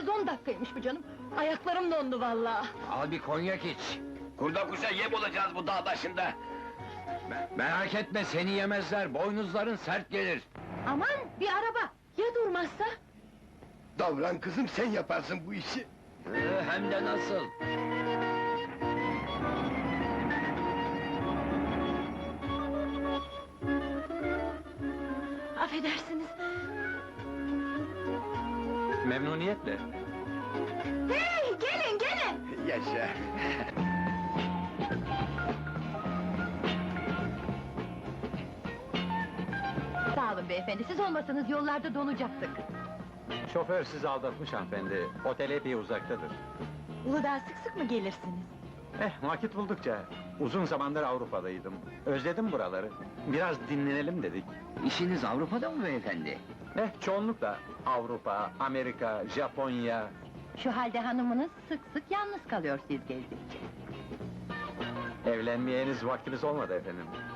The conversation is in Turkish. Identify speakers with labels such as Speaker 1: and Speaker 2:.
Speaker 1: kez 10 dakikaymış bu canım. Ayaklarım dondu vallahi.
Speaker 2: Al bir konyak iç.
Speaker 3: Kurda kuşa yem olacağız bu dağ başında.
Speaker 2: Merak etme, seni yemezler, boynuzların sert gelir.
Speaker 1: Aman bir araba, ya durmazsa?
Speaker 4: Davran kızım, sen yaparsın bu işi.
Speaker 2: Hem de nasıl?
Speaker 1: Affedersiniz.
Speaker 2: Memnuniyetle.
Speaker 1: Hey, gelin gelin!
Speaker 4: Yaşa!
Speaker 1: Sağ olun beyefendi, siz olmasanız yollarda donacaktık.
Speaker 5: Şoför sizi aldatmış hanımefendi. Otel epey uzaktadır.
Speaker 1: Uludağ'a sık sık mı gelirsiniz?
Speaker 5: Vakit buldukça. Uzun zamandır Avrupa'daydım. Özledim buraları. Biraz dinlenelim dedik.
Speaker 2: İşiniz Avrupa'da mı beyefendi?
Speaker 5: Çoğunlukla Avrupa, Amerika, Japonya...
Speaker 1: Şu halde hanımınız sık sık yalnız kalıyor siz gezdikçe.
Speaker 5: Evlenmeye henüz vaktimiz olmadı efendim.